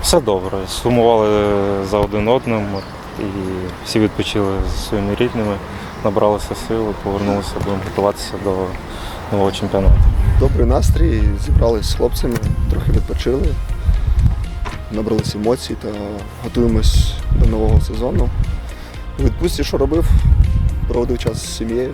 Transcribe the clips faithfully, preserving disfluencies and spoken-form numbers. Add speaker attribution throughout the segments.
Speaker 1: Все добре. Сумували за один одним і всі відпочили зі своїми рідними, набралися сили, повернулися, будемо готуватися до нового чемпіонату.
Speaker 2: Добрий настрій, зібралися з хлопцями, трохи відпочили, набралися емоцій та готуємось до нового сезону. У відпустці, що робив, проводив час з сім'єю.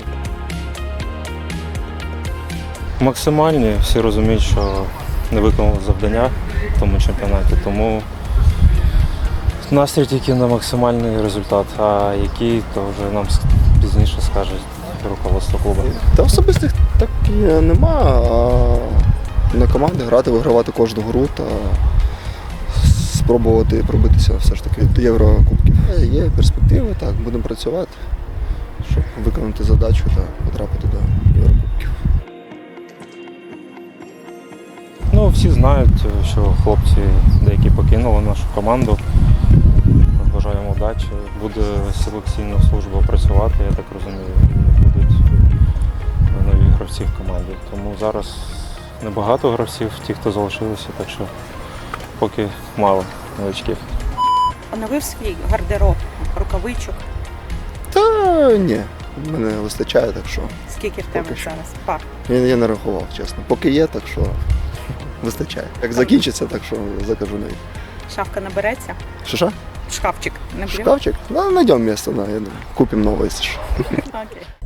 Speaker 1: Максимальні, всі розуміють, що не виконали завдання в тому чемпіонаті, тому настрій тільки на максимальний результат, а який, то вже нам пізніше скаже руководство клубу.
Speaker 2: Та особистих так і нема, а на команди грати, вигравати кожну гру та спробувати пробитися все ж таки до Єврокубків. Є перспективи, так, будемо працювати, щоб виконати задачу та потрапити до Єврокубків.
Speaker 1: Ну, всі знають, що хлопці деякі покинули нашу команду. Ми бажаємо удачі. Буде селекційна служба працювати, я так розумію, будуть нові гравці в команді. Тому зараз небагато гравців, ті, хто залишилися, так що поки мало новичків.
Speaker 3: Оновив свій гардероб, рукавичок.
Speaker 2: Та ні, мене вистачає, так що
Speaker 3: Скільки в тебе
Speaker 2: Поки що.
Speaker 3: зараз? Пар.
Speaker 2: я, я не рахував, чесно. Поки є, так що вистачає. Як закінчиться, так що закажу нові.
Speaker 3: Шафка набереться?
Speaker 2: Що що?
Speaker 3: Шкафчик наберемо?
Speaker 2: Шкафчик? Ну, найдем место, да, я думаю. Купим новое, если что.
Speaker 3: Окей.